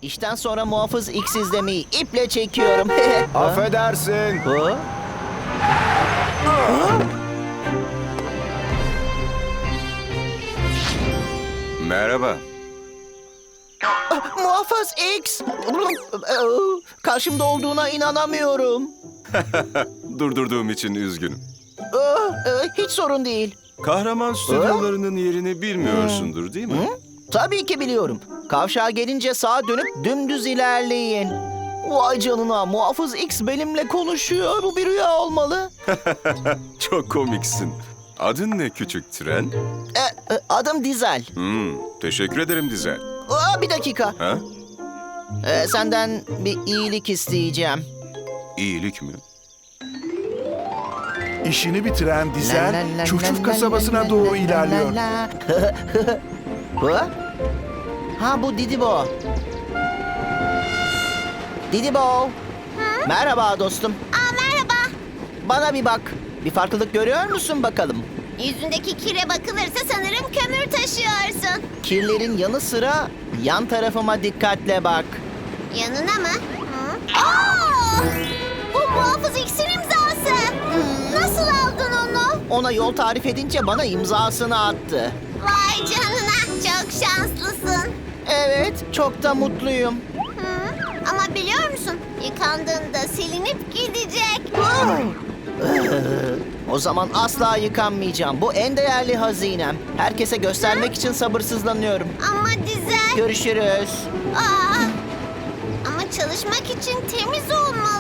İşten sonra Muhafız X izlemeyi iple çekiyorum. Affedersin. Ha? Merhaba. Muhafız X! Karşımda olduğuna inanamıyorum. Durdurduğum için üzgünüm. Hiç sorun değil. Kahraman stüdyolarının yerini bilmiyorsundur değil mi? Tabii ki biliyorum. Kavşağa gelince sağa dönüp dümdüz ilerleyin. Vay canına, Muhafız X benimle konuşuyor. Bu bir rüya olmalı. Çok komiksin. Adın ne küçük tren? Adım Dizel. Teşekkür ederim Dizel. Bir dakika. Ha? Senden bir iyilik isteyeceğim. İyilik mi? İşini bitiren Dizel, Çufçuf kasabasına doğru ilerliyor. Ha, bu Didibo. Didibo. Merhaba dostum. Merhaba. Bana bir bak. Bir farklılık görüyor musun bakalım? Yüzündeki kire bakılırsa sanırım kömür taşıyorsun. Kirlerin yanı sıra yan tarafıma dikkatle bak. Yanına mı? Bu Muhafız X'in imzası. Nasıl aldın onu? Ona yol tarif edince bana imzasını attı. Vay canına, çok şanslısın. Evet, çok da mutluyum. Ama biliyor musun, yıkandığında silinip gidecek. O zaman asla yıkanmayacağım. Bu en değerli hazinem. Herkese göstermek için sabırsızlanıyorum. Ama Dizel... Görüşürüz. Ama çalışmak için temiz olmalı.